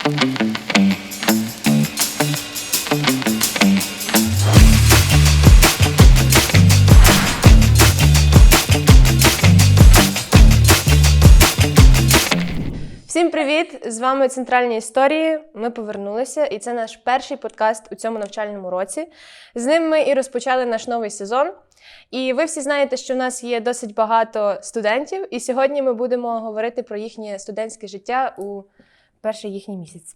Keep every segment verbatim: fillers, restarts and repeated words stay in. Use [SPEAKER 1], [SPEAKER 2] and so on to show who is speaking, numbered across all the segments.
[SPEAKER 1] Всім привіт! З вами Центральні історії. Ми повернулися, і це наш перший подкаст у цьому навчальному році. З ним ми і розпочали наш новий сезон. І ви всі знаєте, що в нас є досить багато студентів, і сьогодні ми будемо говорити про їхнє студентське життя у перший їхній місяць.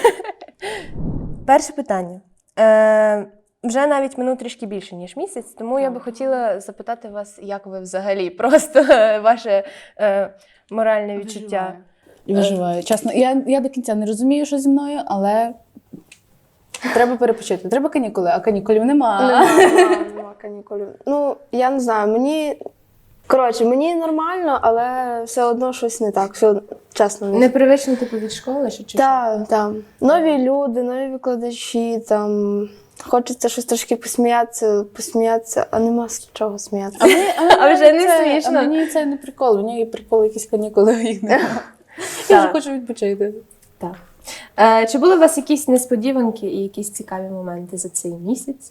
[SPEAKER 1] Перше питання. Е, вже навіть минув трішки більше, ніж місяць, тому я би хотіла запитати вас, як ви взагалі, просто ваше е, моральне відчуття.
[SPEAKER 2] Виживаю. Чесно, я, я до кінця не розумію, що зі мною, але треба перепочити. Треба канікули, а канікулів нема.
[SPEAKER 3] Нема, нема канікулів. Ну, я не знаю, мені... Коротше, мені нормально, але все одно щось не так. Все, чесно. Не...
[SPEAKER 1] Непривично, типу, від школи? Чи чи
[SPEAKER 3] Так, так. Нові люди, нові викладачі, там... Хочеться щось трошки посміятися, посміятися, а нема з чого сміятися.
[SPEAKER 2] А, мені, а,
[SPEAKER 1] А вже не
[SPEAKER 2] це,
[SPEAKER 1] смішно.
[SPEAKER 2] А мені це не прикол. У нього є прикол, якісь канікули, а їх немає. Я вже хочу відпочити.
[SPEAKER 1] Так. Е, чи були у вас якісь несподіванки і якісь цікаві моменти за цей місяць?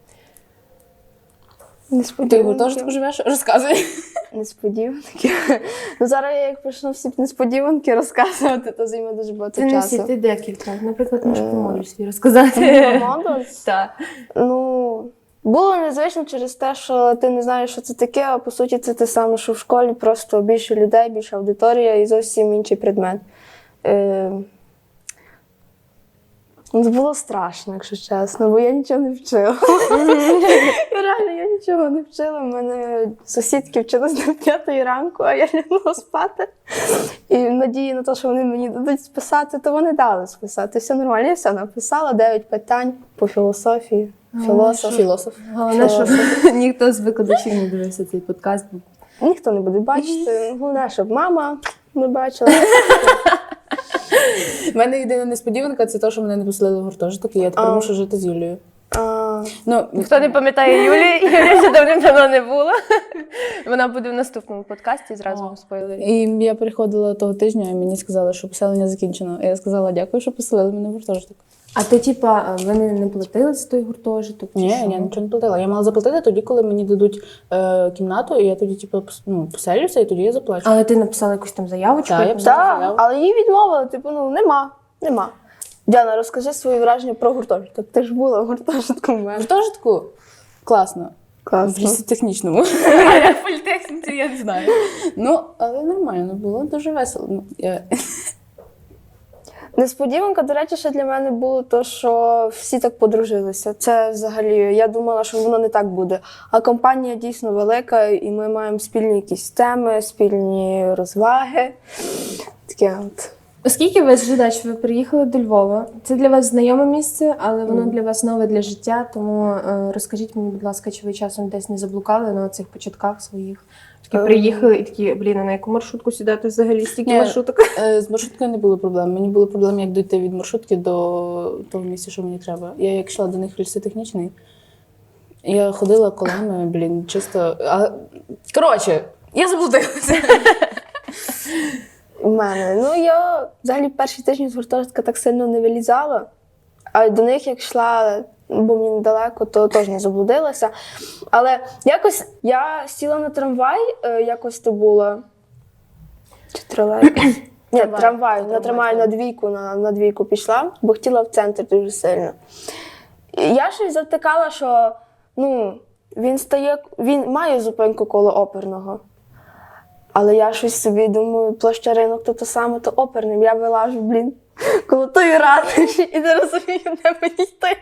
[SPEAKER 2] Ти його теж так живеш? Розказуй.
[SPEAKER 3] Несподіванки. Ну, зараз я як почну всі несподіванки розказувати, то займе дуже багато
[SPEAKER 1] Ти не
[SPEAKER 3] часу.
[SPEAKER 1] всі, ти декілька. Наприклад, можеш про модуль свій розказати.
[SPEAKER 3] Модуль?
[SPEAKER 1] Так.
[SPEAKER 3] Ну, було незвично через те, що ти не знаєш, що це таке, а по суті це те саме, що в школі, просто більше людей, більша аудиторія і зовсім інший предмет. Е... Ну, було страшно, якщо чесно, бо я нічого не вчила. Реально, я нічого не вчила. У мене сусідки вчились до п'ятої ранку, а я лягнула спати. І в надії на те, що вони мені дадуть списати, то вони дали списати. Все нормально, я все написала, дев'ять питань по філософії. Філософ.
[SPEAKER 2] Філософ.
[SPEAKER 1] Головне, щоб ніхто з викладачів не дивився цей подкаст.
[SPEAKER 3] Ніхто не буде бачити. Головне, щоб мама не бачила.
[SPEAKER 2] У мене єдина несподіванка – це те, що мене не поселили в гуртожиток, і я тепер
[SPEAKER 3] А.
[SPEAKER 2] мушу жити з Юлією.
[SPEAKER 3] А,
[SPEAKER 2] Ну,
[SPEAKER 1] Хто не пам'ятає Юлі, Юлі ще давним-давно не було. Вона буде в наступному подкасті, зразу вам спойлерю.
[SPEAKER 2] І я приходила того тижня, і мені сказали, що поселення закінчено. І я сказала, дякую, що поселили мене в гуртожиток.
[SPEAKER 1] А ти, типа, вони не платили за той гуртожиток? чи
[SPEAKER 2] Ні,
[SPEAKER 1] що?
[SPEAKER 2] я нічого не платила. Я мала заплатити тоді, коли мені дадуть е, кімнату, і я тоді, типу, пос- ну, поселюся, і тоді я заплачу.
[SPEAKER 1] Але ти написала якусь там заявочку?
[SPEAKER 2] Так, я
[SPEAKER 1] якусь?
[SPEAKER 2] писала.
[SPEAKER 3] так, але її відмовили, типу, ну, нема, нема. Діана, розкажи свої враження про гуртожиток. Ти ж була в гуртожитку в
[SPEAKER 2] В
[SPEAKER 3] мене.
[SPEAKER 2] гуртожитку класно. В
[SPEAKER 3] Класно.
[SPEAKER 2] лісотехнічному. А як в політехніці, я не знаю. Ну, але нормально було, дуже весело. Ну, я...
[SPEAKER 3] Несподіванка, до речі, ще для мене було те, що всі так подружилися. Це взагалі, я думала, що воно не так буде. А компанія дійсно велика, і ми маємо спільні якісь теми, спільні розваги. Таке от.
[SPEAKER 1] Оскільки ви з Жидач, ви приїхали до Львова. Це для вас знайоме місце, але воно для вас нове для життя. Тому е, розкажіть мені, будь ласка, чи ви часом десь не заблукали на цих початках своїх? Такі приїхали і такі, блін, а на яку маршрутку сідати взагалі? Стільки
[SPEAKER 2] Ні.
[SPEAKER 1] маршруток.
[SPEAKER 2] Е, З маршруткою не було проблем. Мені було проблем, як дійти від маршрутки до того місця, що мені треба. Я як йшла до них в лісотехнічний, я ходила колами, блін, чисто... А... Коротше, я заблудилася.
[SPEAKER 3] У мене. Ну, я взагалі перші тижні з гуртожитка так сильно не вилізала, а до них як йшла, бо мені недалеко, то теж не заблудилася. Але якось я сіла на трамвай, е, якось то було. Чи тролейбус? Ні, трамвай, на трамвай на двійку, на, на двійку пішла, бо хотіла в центр дуже сильно. І я щось завтикала, що ну, він стає, він має зупинку коло оперного. Але я щось собі думаю, площа Ринок, то те саме, то оперним. Я вилажу, блін, коло тої ратуші і не розумію, де мені йти.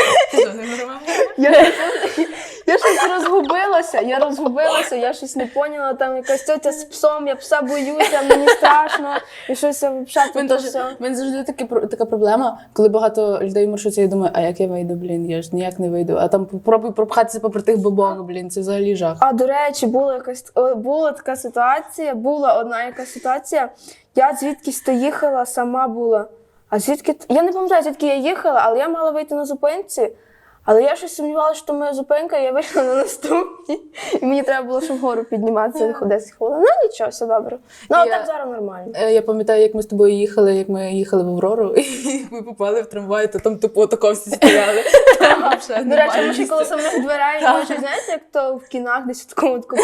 [SPEAKER 3] Я, я щось розгубилася, я розгубилася, я щось не поняла, там якась тетя з псом, я пса боюся, мені страшно, і щось я взагалі
[SPEAKER 2] У
[SPEAKER 3] то все.
[SPEAKER 2] мене завжди таки, така проблема, коли багато людей в маршруті, я думаю, а як я вийду, блін, я ж ніяк не вийду. А там попробуй пропхатися попри тих бабок, блін, це взагалі жах.
[SPEAKER 3] А, до речі, була якась о, була така ситуація, була одна якась ситуація, я звідкись то їхала, сама була. А звідки, я не пам'ятаю, звідки я їхала, але я мала вийти на зупинці, Але я щось сумнівалася, що моя зупинка, і я вийшла на наступній. І мені треба було, щоб вгору підніматися десять хвилин. Ну нічого, все добре. Ну, а
[SPEAKER 2] Я-
[SPEAKER 3] так зараз нормально.
[SPEAKER 2] Е, Я пам'ятаю, як ми з тобою їхали, як ми їхали в Аврору, і ми попали в трамвай, то там тупо тако всі стояли. Там взагалі
[SPEAKER 3] До речі,
[SPEAKER 2] нормальне
[SPEAKER 3] ми ще
[SPEAKER 2] місце.
[SPEAKER 3] коли самих дверей,
[SPEAKER 2] Так.
[SPEAKER 3] може, знаєте, як то в кінах десь в такому такому.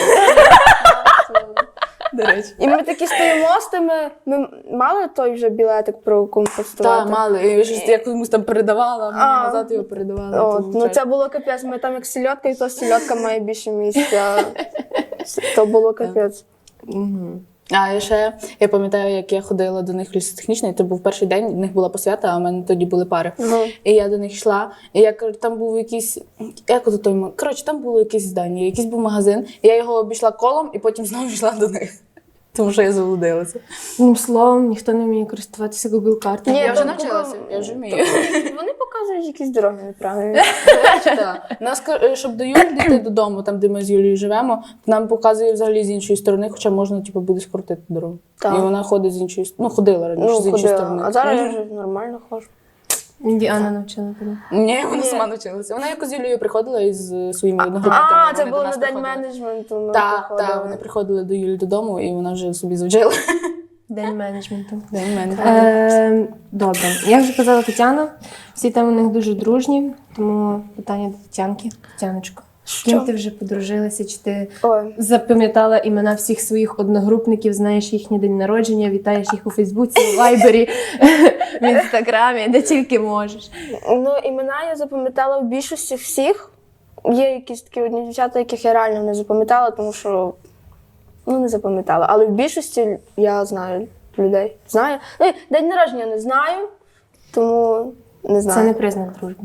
[SPEAKER 2] До речі.
[SPEAKER 3] І ми такі стоїмо з тими, ми мали той вже білетик про компостувати?
[SPEAKER 2] Так, мали. І щось я комусь там передавала, а мені
[SPEAKER 3] А.
[SPEAKER 2] назад його передавали.
[SPEAKER 3] От,
[SPEAKER 2] тому
[SPEAKER 3] ну
[SPEAKER 2] вже-
[SPEAKER 3] це було капець, ми там як сільотка, і то сільотка має більше місця. То було капець.
[SPEAKER 2] Мгм. А я ще я пам'ятаю, як я ходила до них в лісотехнічний, це був перший день, в них була посвята, а в мене тоді були пари.
[SPEAKER 3] Мгм.
[SPEAKER 2] І я до них йшла, і я кажу, там був якийсь, як ото той ма- коротше, там було якесь здання, якийсь був магазин. І я його обійшла колом і потім знову йшла до них. Тому що я заблудилася.
[SPEAKER 1] Одним словом, ніхто не вміє користуватися Google картами.
[SPEAKER 3] Ні,
[SPEAKER 2] Я вже
[SPEAKER 3] там
[SPEAKER 2] навчилася,
[SPEAKER 3] Google-
[SPEAKER 2] я вже вмію.
[SPEAKER 3] Вони показують якісь дороги неправильні.
[SPEAKER 2] Так. Нас, ка- щоб до Юлі дійти додому, там, де ми з Юлією живемо, нам показує взагалі з іншої сторони, хоча можна типу, буде скоротити дорогу.
[SPEAKER 3] Так.
[SPEAKER 2] І вона ходить з іншої сторони. Ну, ходила раніше
[SPEAKER 3] Ну,
[SPEAKER 2] з іншої
[SPEAKER 3] ходила.
[SPEAKER 2] сторони.
[SPEAKER 3] А зараз я вже нормально ходжу.
[SPEAKER 1] Діана навчила тебе.
[SPEAKER 2] Ні, вона
[SPEAKER 3] Ні.
[SPEAKER 2] сама навчилася. Вона якось з Юлією приходила із е, своїми одногрупниками.
[SPEAKER 3] А, це
[SPEAKER 2] вони до
[SPEAKER 3] було
[SPEAKER 2] нас
[SPEAKER 3] на день
[SPEAKER 2] приходили.
[SPEAKER 3] менеджменту. ми
[SPEAKER 2] Так,
[SPEAKER 3] приходили.
[SPEAKER 2] так, вони приходили до Юлі додому, і вона вже собі завчила.
[SPEAKER 1] День менеджменту.
[SPEAKER 2] День мене.
[SPEAKER 1] Е, добре. Як вже казала Тетяна, всі там у них дуже дружні, тому питання до Тетянки. Тетяночко, з ким
[SPEAKER 3] Що?
[SPEAKER 1] ти вже подружилася? Чи ти
[SPEAKER 3] Ой.
[SPEAKER 1] запам'ятала імена всіх своїх одногрупників, знаєш їхній день народження, вітаєш їх у Фейсбуці, у Вайбері, в Інстаграмі, де тільки можеш.
[SPEAKER 3] Ну, імена я запам'ятала в більшості всіх. Є якісь такі одні дівчата, яких я реально не запам'ятала, тому що ну, не запам'ятала. Але в більшості я знаю людей. Знаю. Ну, і день народження не знаю, тому не знаю.
[SPEAKER 1] Це не признак дружби.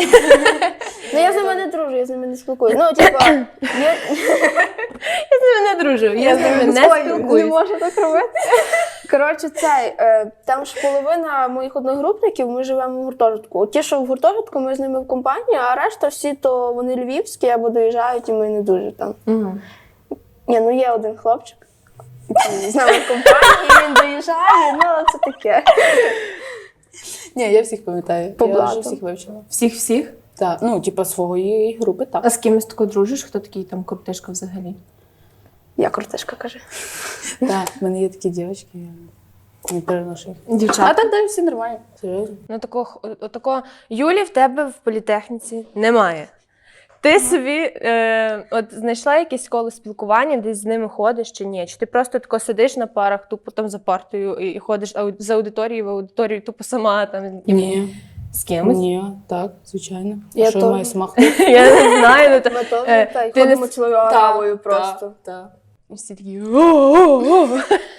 [SPEAKER 3] Ну, я з ними не дружу, я з ними не спілкуюся. Ну, типа, є...
[SPEAKER 1] Я з ними не дружу, я з ними не
[SPEAKER 3] Ой,
[SPEAKER 1] спілкуюся.
[SPEAKER 3] Не можу так робити. Коротше, цей, е, там ж половина моїх одногрупників, ми живемо в гуртожитку. От ті, що в гуртожитку, ми з ними в компанії, а решта всі, то вони львівські або доїжджають, і ми не дуже там.
[SPEAKER 1] Мгм.
[SPEAKER 3] Ні, ну є один хлопчик, який з нами в компанії, він доїжджає, ну це таке.
[SPEAKER 2] Ні, я всіх пам'ятаю.
[SPEAKER 3] По
[SPEAKER 2] Я вже
[SPEAKER 3] блату.
[SPEAKER 2] всіх вивчила.
[SPEAKER 1] Всіх-всіх?
[SPEAKER 2] Так, ну, типа своєї групи, так.
[SPEAKER 1] А з кимось тако дружиш? Хто такий там коптишка взагалі?
[SPEAKER 3] Я крутишка, каже.
[SPEAKER 2] Так, в мене є такі дівчатки, я не переношу їх. А
[SPEAKER 1] Дівчата?
[SPEAKER 2] так далі всі нормально. Серйозно.
[SPEAKER 1] Ну, такого, такого Юлі в тебе в політехніці немає. Ти собі е, от знайшла якесь коло спілкування, десь з ними ходиш чи ні? Чи ти просто тако сидиш на парах, тупо там за партою і, і ходиш ау- з аудиторії в аудиторію, тупо сама там
[SPEAKER 2] Ні.
[SPEAKER 1] з кимось?
[SPEAKER 2] Ні, так, звичайно.
[SPEAKER 3] Я
[SPEAKER 2] Що
[SPEAKER 3] то-
[SPEAKER 2] я маю сама ходити?
[SPEAKER 1] Я не знаю. Ну, то,
[SPEAKER 3] Ми теж
[SPEAKER 1] е,
[SPEAKER 3] та, й
[SPEAKER 1] ти не
[SPEAKER 3] ходимо
[SPEAKER 1] с-
[SPEAKER 3] цілою аравою просто.
[SPEAKER 2] Так.
[SPEAKER 1] всі такі «О-о-о».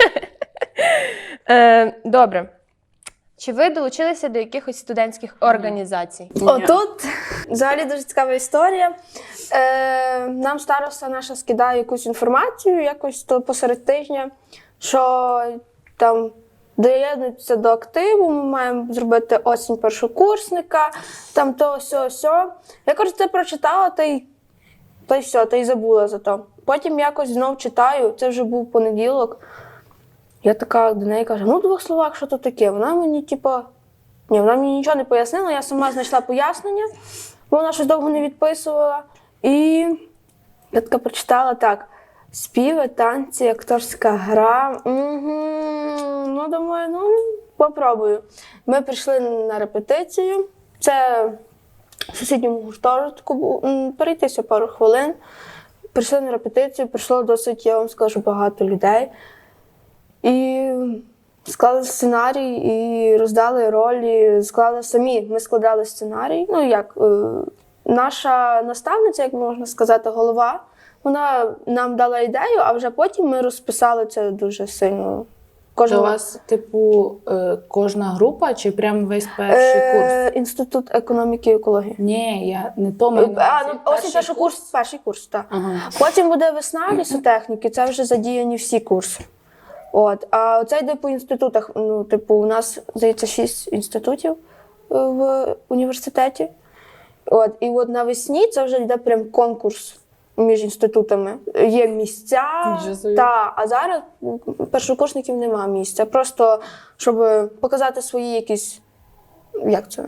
[SPEAKER 1] Е, Добре. Чи ви долучилися до якихось студентських організацій?
[SPEAKER 3] Отут взагалі дуже цікава історія. Е, нам староста наша скидає якусь інформацію, якось то посеред тижня, що там доєднуються до активу, ми маємо зробити осінь першокурсника, там то, сьо, сьо. Я, кажу, це прочитала, та й, та й все, та й забула за то. Потім якось знов читаю, це вже був понеділок. Я така до неї кажу, ну, в двох словах, що то таке? Вона мені, типу, ні, вона мені нічого не пояснила, я сама знайшла пояснення, бо вона щось довго не відписувала. І я така прочитала так: співи, танці, акторська гра. Угу. Ну, думаю, ну, попробую. Ми прийшли на репетицію. Це в сусідньому гуртожитку був. М, Перейтися пару хвилин. Прийшли на репетицію, прийшло досить, я вам скажу, багато людей. І склали сценарій, і роздали ролі, склали самі. Ми складали сценарій. Ну, як, е, наша наставниця, як можна сказати, голова, вона нам дала ідею, а вже потім ми розписали це дуже сильно.
[SPEAKER 2] То
[SPEAKER 3] Кожен
[SPEAKER 2] у вас, типу, е, кожна група чи прям весь перший курс?
[SPEAKER 3] е, Інститут економіки і екології.
[SPEAKER 2] Ні, я не то маю на
[SPEAKER 3] А,
[SPEAKER 2] увазі.
[SPEAKER 3] ну, ось
[SPEAKER 2] Перший
[SPEAKER 3] перший курс, перший курс, так.
[SPEAKER 2] Ага.
[SPEAKER 3] Потім буде весна лісотехніки, це вже задіяні всі курси. От. А оце йде по інститутах. Ну, типу, у нас, здається, шість інститутів е, в університеті. От. І от навесні це вже йде прям конкурс між інститутами. Є місця,
[SPEAKER 2] Нічого собі.
[SPEAKER 3] та, а зараз у першокурсників немає місця. Просто, щоб показати свої якісь, як це,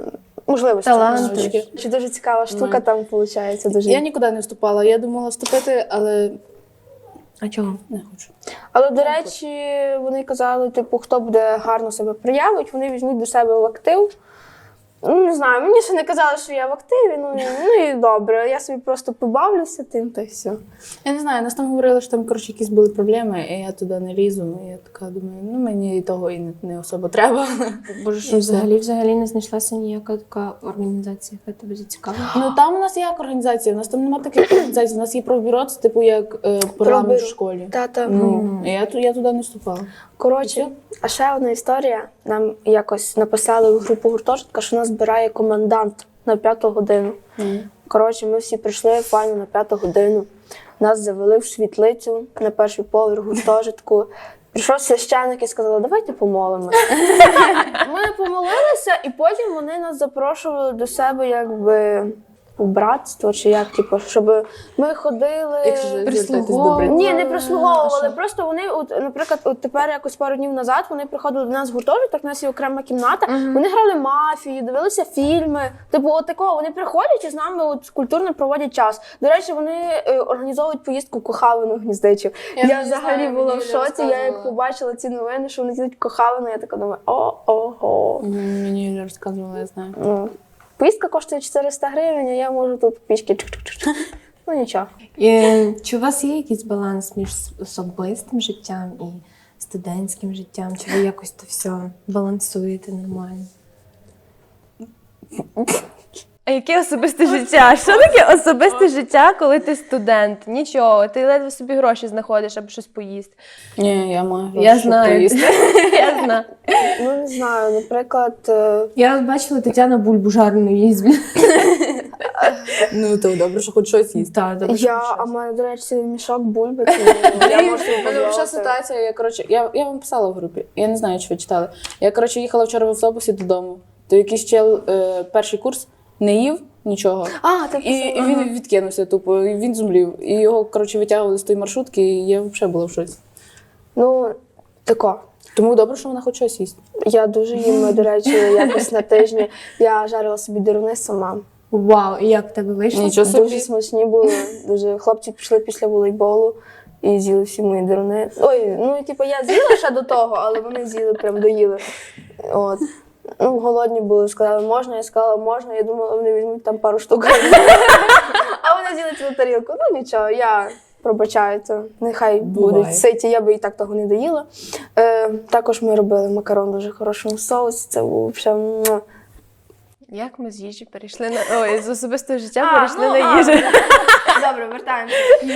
[SPEAKER 3] можливості.
[SPEAKER 1] Таланти.
[SPEAKER 3] Чи дуже цікава штука там виходить. Дуже...
[SPEAKER 2] Я нікуди не вступала. Я думала вступити, але
[SPEAKER 1] А чого?
[SPEAKER 2] не хочу.
[SPEAKER 3] Але, до речі, вони казали, типу, хто буде гарно себе проявить, вони візьмуть до себе в актив. Ну, не знаю, мені ще не казали, що я в активі, ну, і- ну і добре, я собі просто побавлюся тим, та й все.
[SPEAKER 2] Я не знаю, нас там говорили, що там, коротше, якісь були проблеми, і я туди не лізу. І я така думаю, ну мені і того і не, не особо треба.
[SPEAKER 1] Боже, що взагалі взагалі не знайшлася ніяка така організація, яка тебе зацікавила?
[SPEAKER 2] Ну там у нас як організація, у нас там немає таких організацій, у нас є профбюро, це типу як е, парламент
[SPEAKER 3] Пробюро.
[SPEAKER 2] в школі.
[SPEAKER 3] Тата.
[SPEAKER 2] Ну, і я, ту- я туди не вступала.
[SPEAKER 3] Коротше, а ще одна історія. Нам якось написали в групу гуртожитка, що нас збирає комендант на п'яту годину. Коротше, ми всі прийшли файно на п'яту годину. Нас завели в світлицю на перший поверх гуртожитку. Прийшов священник і сказали, давайте помолимося. Ми помолилися, і потім вони нас запрошували до себе якби у братство, чи як, типу, щоб ми ходили.
[SPEAKER 2] Якщо ж звертатись до
[SPEAKER 1] прислуговували.
[SPEAKER 2] брат-
[SPEAKER 3] Ні, не прислуговували.
[SPEAKER 1] А що?
[SPEAKER 3] Просто вони, от, наприклад, от тепер якось пару днів назад вони приходили до нас в гуртожиток, у нас є окрема кімната. Вони грали мафію, дивилися фільми. Типу, от такого вони приходять і з нами от культурно проводять час. До речі, вони е, організовують поїздку в Кохавину Гніздичів.
[SPEAKER 2] Я
[SPEAKER 3] Я,
[SPEAKER 2] не
[SPEAKER 3] взагалі
[SPEAKER 2] знаю,
[SPEAKER 3] була в
[SPEAKER 2] мені Юля
[SPEAKER 3] шоці. Я як
[SPEAKER 2] розказувала.
[SPEAKER 3] побачила ці новини, що вони їдуть в Кохавину, я така думаю, о-ого.
[SPEAKER 2] Мгм, Мені Юля розказувала, я знаю.
[SPEAKER 3] Ну, поїздка коштує чотириста гривень, а я можу тут пішки. чик-чик-чик. Ну нічого.
[SPEAKER 1] І, чи у вас є якийсь баланс між особистим життям і студентським життям? Чи ви якось то все балансуєте нормально? А яке особисте життя? Що таке особисте життя, коли ти студент? Нічого, ти ледве собі гроші знаходиш, аби щось поїсти.
[SPEAKER 2] Ні, я маю гроші,
[SPEAKER 1] Я
[SPEAKER 2] щоб
[SPEAKER 1] знаю.
[SPEAKER 2] поїсти.
[SPEAKER 1] Я знаю.
[SPEAKER 3] Ну не знаю, наприклад. е,
[SPEAKER 1] Я от бачила Тетяна бульбу жарену їсть.
[SPEAKER 2] Ну, то добре, що хоч щось їсти.
[SPEAKER 1] Так, добре, що
[SPEAKER 3] Я,
[SPEAKER 1] щось.
[SPEAKER 3] а в мене, до речі, мішок бульби. тому я можу
[SPEAKER 2] У мене
[SPEAKER 3] дозволити.
[SPEAKER 2] вже ситуація, я, коротше, я, я вам писала в групі, я не знаю, чи ви читали. Я, коротше, їхала вчора в автобусі додому, то якийсь чел, е, перший курс, не їв нічого.
[SPEAKER 3] А, так
[SPEAKER 2] І, і він відкинувся тупо, і він зумлів. І його, коротше, витягували з тої маршрутки, і я взагалі була в шоці.
[SPEAKER 3] Ну, тако.
[SPEAKER 2] Тому добре, що вона хоч щось їсть.
[SPEAKER 3] Я дуже їм, до речі, якось на тижні. Я жарила собі деруни сама.
[SPEAKER 1] Вау, і як в тебе вийшло?
[SPEAKER 2] Нічого собі.
[SPEAKER 3] Дуже смачні були. Дуже хлопці пішли після волейболу і з'їли всі мої деруни. Ой, ну типу я з'їла ще до того, але вони з'їли, прям доїли. От. Ну, голодні були, сказали, можна, я сказала, можна. Я думала, вони візьмуть там пару штук. А вони з'їли цілу тарілку. Ну нічого, я пробачаю це. Нехай
[SPEAKER 2] Буває.
[SPEAKER 3] будуть ситі, я би і так того не доїла. Е, також ми робили макарон в дуже хорошому соусі. Це був взагалі. муа.
[SPEAKER 1] Як ми з їжі перейшли на. Ой, з особистого життя
[SPEAKER 3] А,
[SPEAKER 1] перейшли
[SPEAKER 3] ну,
[SPEAKER 1] на
[SPEAKER 3] а.
[SPEAKER 1] їжу.
[SPEAKER 3] Добре, вертаємося.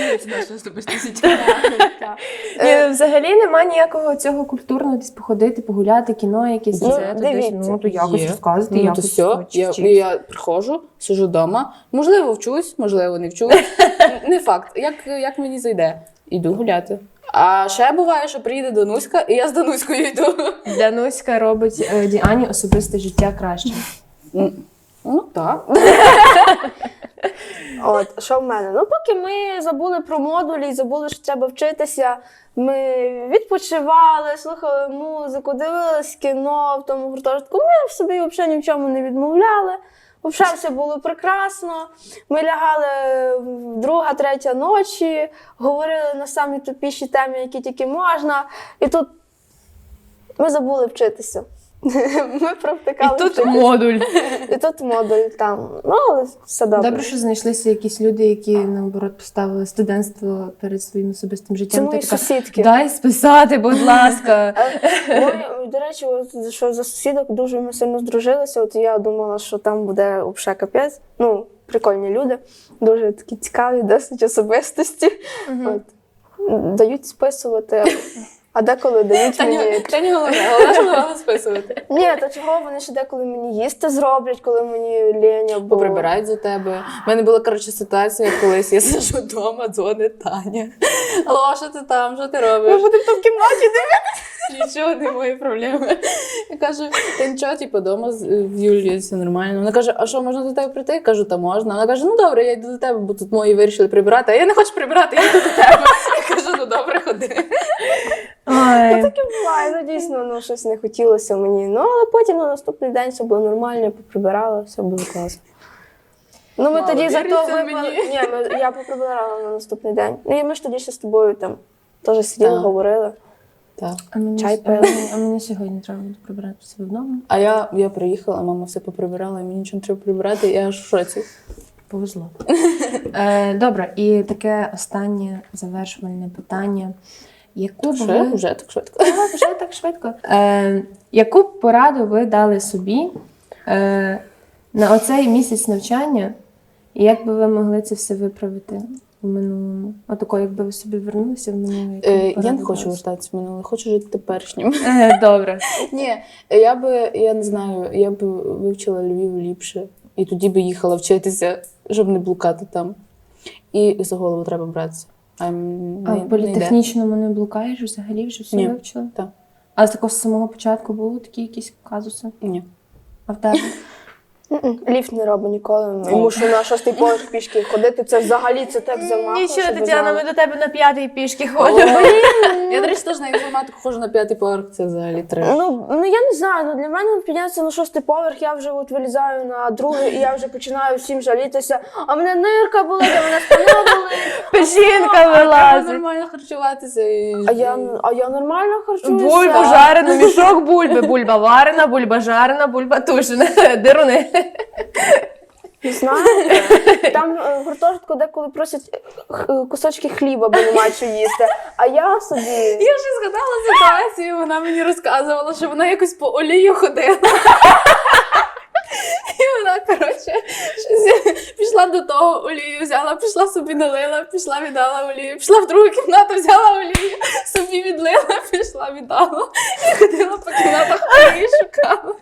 [SPEAKER 1] Ні, ну, взагалі немає ніякого цього культурного десь походити, погуляти, кіно, якісь
[SPEAKER 3] Ну,
[SPEAKER 1] це, то десь,
[SPEAKER 3] дивіться.
[SPEAKER 1] ну, то якось
[SPEAKER 2] Є.
[SPEAKER 1] розказувати,
[SPEAKER 2] Ну, то
[SPEAKER 1] якось
[SPEAKER 2] все,
[SPEAKER 1] хоч
[SPEAKER 2] я,
[SPEAKER 1] вчитися.
[SPEAKER 2] я приходжу, сижу вдома, можливо, вчусь, можливо, не вчусь. Не факт, як, як мені зайде. Іду гуляти. А ще буває, що приїде Дануська, і я з Дануською йду.
[SPEAKER 1] Дануська робить е, Діані особисте життя краще.
[SPEAKER 2] М, Ну, так.
[SPEAKER 3] От, що в мене? Ну, поки ми забули про модулі і забули, що треба вчитися, ми відпочивали, слухали музику, дивились кіно в тому гуртожитку. Ми собі взагалі ні в чому не відмовляли. Взагалі все було прекрасно. Ми лягали в друга, третя ночі, говорили на самі тупіші теми, які тільки можна. І тут ми забули вчитися. Ми провтикали
[SPEAKER 1] І тут
[SPEAKER 3] вчитися.
[SPEAKER 1] модуль.
[SPEAKER 3] І тут модуль там. Ну, але все добре.
[SPEAKER 1] Добре, що знайшлися якісь люди, які, наоборот, поставили студентство перед своїм особистим життям.
[SPEAKER 3] Це мої
[SPEAKER 1] Ти така,
[SPEAKER 3] сусідки.
[SPEAKER 1] дай списати, будь ласка.
[SPEAKER 3] Ми, до речі, от, що за сусідок дуже ми сильно здружилися. От я думала, що там буде взагалі капець. Ну, прикольні люди, дуже такі цікаві, досить особистості. От. Дають списувати, а деколи дають мені.
[SPEAKER 2] Це не головне, головне, що треба списувати.
[SPEAKER 3] Ні, то чого вони ще деколи мені їсти зроблять, коли мені лінь або...
[SPEAKER 2] Поприбирають за тебе. У мене була, коротше, ситуація, колись я сиджу вдома, дзвонить Таня. Алло, що ти там, що ти робиш?
[SPEAKER 3] Ми будемо там в кімнаті дивитися.
[SPEAKER 2] Нічого, не мої проблеми. Я кажу, та нічого, типу, вдома в Юлії все нормально. Вона каже, а що, можна до тебе прийти? Я кажу, та можна. Вона каже, ну добре, я йду до тебе, бо тут мої вирішили прибирати. А я не хочу прибирати, я йду до тебе. Я кажу, ну добре, ходи.
[SPEAKER 1] Ой.
[SPEAKER 3] Таке буває, ну дійсно, ну щось не хотілося мені. Ну, але потім на наступний день все було нормально, я поприбирала, все було класно. Ну, ми
[SPEAKER 2] Мало
[SPEAKER 3] тоді зато
[SPEAKER 2] віриться
[SPEAKER 3] випали.
[SPEAKER 2] мені.
[SPEAKER 3] Ні, ми, я поприбирала на наступний день. Ну, і ми ж тоді ще з тобою там теж сиділи,
[SPEAKER 2] Так.
[SPEAKER 3] говорили.
[SPEAKER 2] Так.
[SPEAKER 1] А мені,
[SPEAKER 3] Чай
[SPEAKER 1] а,
[SPEAKER 3] пили.
[SPEAKER 1] мені, а мені сьогодні треба буде прибирати себе вдома.
[SPEAKER 2] А я, я приїхала, мама все поприбирала, і мені нічого не треба прибирати, я аж в шоці.
[SPEAKER 1] Повезло. Е, добре, і таке останнє завершувальне питання. Яку б
[SPEAKER 2] Вже,
[SPEAKER 1] ви...
[SPEAKER 2] вже так швидко.
[SPEAKER 1] Ага, вже так швидко. Е, яку б пораду ви дали собі е, на оцей місяць навчання, і як би ви могли це все виправити в минулому? Отако, якби ви собі вернулися в минуле. яку б
[SPEAKER 2] Е, я
[SPEAKER 1] пораду
[SPEAKER 2] не хочу
[SPEAKER 1] дали?
[SPEAKER 2] вертатися в минуле, хочу жити теперішнім.
[SPEAKER 1] Е, добре.
[SPEAKER 2] Ні, я би, я не знаю, я б вивчила Львів ліпше, і тоді би їхала вчитися, щоб не блукати там. І за голову треба братися. А, м,
[SPEAKER 1] А
[SPEAKER 2] не-
[SPEAKER 1] в
[SPEAKER 2] не
[SPEAKER 1] політехнічному не блукаєш взагалі, вже все
[SPEAKER 2] Ні.
[SPEAKER 1] вивчила?
[SPEAKER 2] Так.
[SPEAKER 1] А з такого з самого початку були такі якісь казуси?
[SPEAKER 2] йде. Ні.
[SPEAKER 1] А в тебе?
[SPEAKER 3] М-м, Ліфт не робить ніколи. Йому що на шостий поверх пішки ходити, це взагалі це так замахло.
[SPEAKER 1] Нічого,
[SPEAKER 3] щоб ви
[SPEAKER 1] Тетяна,
[SPEAKER 3] знали.
[SPEAKER 1] ми до тебе на п'ятий пішки
[SPEAKER 2] О,
[SPEAKER 1] ходимо.
[SPEAKER 2] Я, до речі, теж на інформатику ходжу на п'ятий поверх, це взагалі треба.
[SPEAKER 3] Ну, ну я не знаю, ну для мене піднятися на шостий поверх, я вже от вилізаю на другий, і я вже починаю всім жалітися. А мене нирка болить, а мене спина болить.
[SPEAKER 1] Печінка
[SPEAKER 2] Треба
[SPEAKER 1] вилазить.
[SPEAKER 2] нормально харчуватися. І...
[SPEAKER 3] А я, а я нормально харчуюся.
[SPEAKER 1] Бульбу жарену, мішок бульби, бульба варена, бульба жарена, бульба тушена, деруни.
[SPEAKER 3] Знаєте, там е, в гуртожитку деколи просять е, кусочки хліба, бо немає що їсти. А я собі.
[SPEAKER 2] Я вже згадала ситуацію, вона мені розказувала, що вона якось по олію ходила. І вона, коротше, щось пішла до того, олію взяла, пішла собі налила, пішла віддала олію, пішла в другу кімнату, взяла олію, собі відлила, пішла віддала. І ходила по кімнатах олії шукала.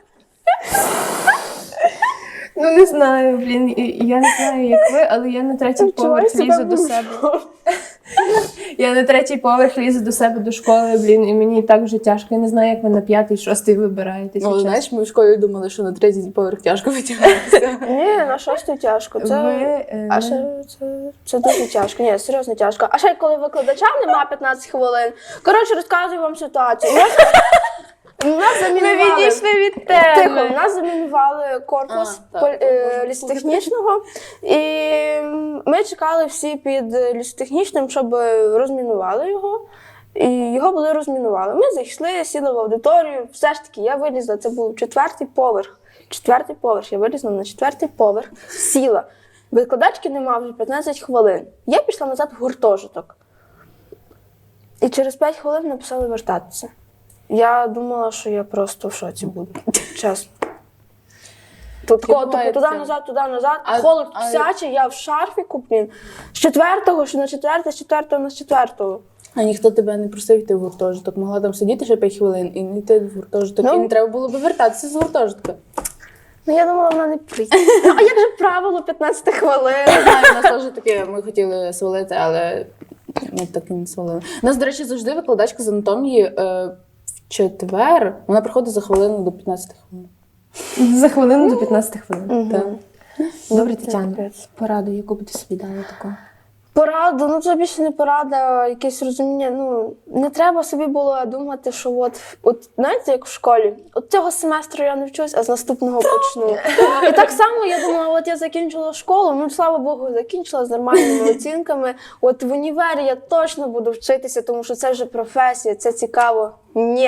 [SPEAKER 1] Ну не знаю, блін, і- я не знаю, як ви, але я на третій
[SPEAKER 3] Відчуваю
[SPEAKER 1] поверх лізу
[SPEAKER 3] себе
[SPEAKER 1] до себе.
[SPEAKER 3] мужиком.
[SPEAKER 1] Я на третій поверх лізу до себе до школи, блін, і мені і так вже тяжко. Я не знаю, як ви на п'ятий, шостий вибираєтесь.
[SPEAKER 2] Ну, знаєш, ми в школі думали, що на третій поверх тяжко витягнутися.
[SPEAKER 3] Ні, на шостий тяжко. Це...
[SPEAKER 1] Ви, е,
[SPEAKER 3] А ще це, це дуже тяжко. Ні, серйозно тяжко. А ще коли викладача нема п'ятнадцять хвилин. Коротше, розказую вам ситуацію. Нас, нас
[SPEAKER 1] Ми
[SPEAKER 3] замінували.
[SPEAKER 1] відійшли від
[SPEAKER 3] Тихо,
[SPEAKER 1] теми.
[SPEAKER 3] нас замінували корпус
[SPEAKER 2] А, так,
[SPEAKER 3] поль- е,
[SPEAKER 2] можна
[SPEAKER 3] лісотехнічного. І ми чекали всі під лісотехнічним, щоб розмінували його. І його були розмінували. Ми зайшли, сіли в аудиторію. Все ж таки, я вилізла, це був четвертий поверх. Четвертий поверх. Я вилізла на четвертий поверх, сіла. Викладачки нема вже п'ятнадцять хвилин. Я пішла назад в гуртожиток. І через п'ять хвилин написали вертатися. Я думала, що я просто в шоці буду. Чесно. Тут
[SPEAKER 2] Таке
[SPEAKER 3] ко-
[SPEAKER 2] буває
[SPEAKER 3] типу, туди
[SPEAKER 2] таке.
[SPEAKER 3] назад, туди назад.
[SPEAKER 2] А-
[SPEAKER 3] Холод
[SPEAKER 2] а-
[SPEAKER 3] псячий, я в шарфіку, блін. З четвертого, що на четверте, з четвертого на з четвертого.
[SPEAKER 2] А ніхто тебе не просив йти в гуртожиток. Могла там сидіти ще п'ять хвилин і не йти в гуртожиток.
[SPEAKER 3] Ну.
[SPEAKER 2] І не треба було би вертатися з гуртожитка.
[SPEAKER 3] Ну, я думала, вона не прийде. Ну, а як же правило п'ятнадцять хвилин?
[SPEAKER 2] Я знаю, у нас теж таке, ми хотіли свалити, але ми так і не свалили. У нас, до речі, завжди викладачка з анатомії е, в четвер, вона приходить за хвилину до п'ятнадцяти хвилин.
[SPEAKER 1] За хвилину до п'ятнадцяти хвилин.
[SPEAKER 2] Так.
[SPEAKER 1] Добре, Тетяна,
[SPEAKER 3] Капець.
[SPEAKER 1] пораду, яку б ти собі дала таку?
[SPEAKER 3] Порада, ну це більше не порада, а якесь розуміння. Ну не треба собі було думати, що от, от знаєте, як в школі, от цього семестру я не вчусь, а з наступного почну. І так само я думала, от я закінчила школу, ну слава Богу, закінчила з нормальними оцінками. От в універі я точно буду вчитися, тому що це вже професія, це цікаво. Ні,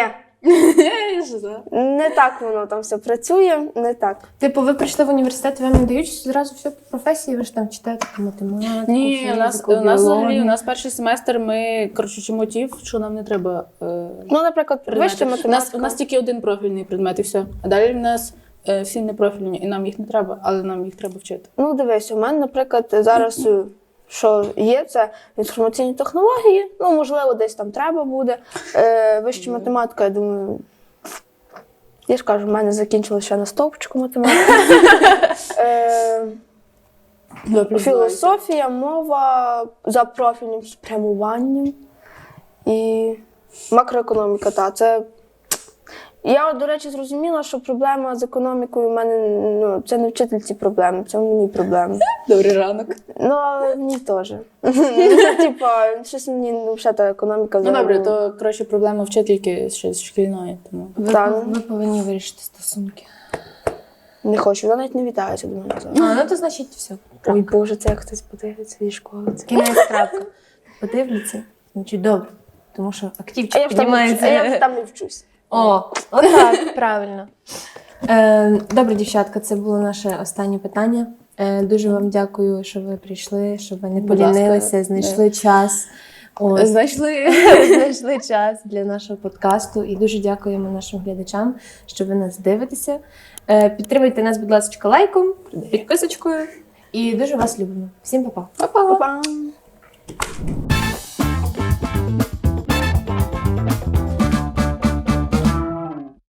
[SPEAKER 3] не так воно там все працює, не так.
[SPEAKER 1] Типу, ви прийшли в університет, вам не дають зразу все по професії, ви ж там читаєте математику,
[SPEAKER 2] Ні, у нас,
[SPEAKER 1] фізику,
[SPEAKER 2] у нас взагалі,
[SPEAKER 1] біологію.
[SPEAKER 2] у нас перший семестр, ми, коротше, вчимо ті, що нам не треба е,
[SPEAKER 3] Ну, наприклад,
[SPEAKER 2] предмети.
[SPEAKER 3] вища
[SPEAKER 2] У нас,
[SPEAKER 3] математика.
[SPEAKER 2] у нас тільки один профільний предмет і все. А далі в нас е, всі непрофільні, і нам їх не треба, але нам їх треба вчити.
[SPEAKER 3] Ну, дивись, у мене, наприклад, зараз, е, що є, це інформаційні технології, ну, можливо, десь там треба буде. Е, вища математика, я думаю, я ж кажу, в мене закінчилося ще на стовпчику математика. Е, філософія, мова за профільним спрямуванням і макроекономіка, та це Я, до речі, зрозуміла, що проблема з економікою в мене, ну, це не вчительці проблеми, це в мені проблеми.
[SPEAKER 2] Добрий ранок.
[SPEAKER 3] Ну, але в ній теж. Типа, щось мені ну, взагалі та економіка
[SPEAKER 2] Ну
[SPEAKER 3] взагалі.
[SPEAKER 2] добре, то коротше проблема вчительки ще з шкільної, тому.
[SPEAKER 1] Ви,
[SPEAKER 3] Так.
[SPEAKER 1] ви повинні вирішити стосунки.
[SPEAKER 3] Не хочу, вона навіть не вітається до мене.
[SPEAKER 1] А, ну то значить все.
[SPEAKER 3] Ой, Боже, це як хтось подивиться зі школи. Це.
[SPEAKER 1] Кінець крапка. Подивляться, значить добре. Тому що
[SPEAKER 3] А
[SPEAKER 1] активчик
[SPEAKER 3] я ж там, не вчусь, а я
[SPEAKER 1] піднімається.
[SPEAKER 3] ж там не вчусь.
[SPEAKER 1] О, отак, правильно. Е, добре, дівчатка, це було наше останнє питання. Е, дуже вам дякую, що ви прийшли, що ви не
[SPEAKER 2] Будь ласка.
[SPEAKER 1] полінилися, знайшли час. Ось.
[SPEAKER 2] Знайшли.
[SPEAKER 1] Знайшли час для нашого подкасту і дуже дякуємо нашим глядачам, що ви нас дивитеся. Е, Підтримуйте нас, будь ласка, лайком, підписочкою і дуже вас любимо. Всім па-па!
[SPEAKER 3] Па-па!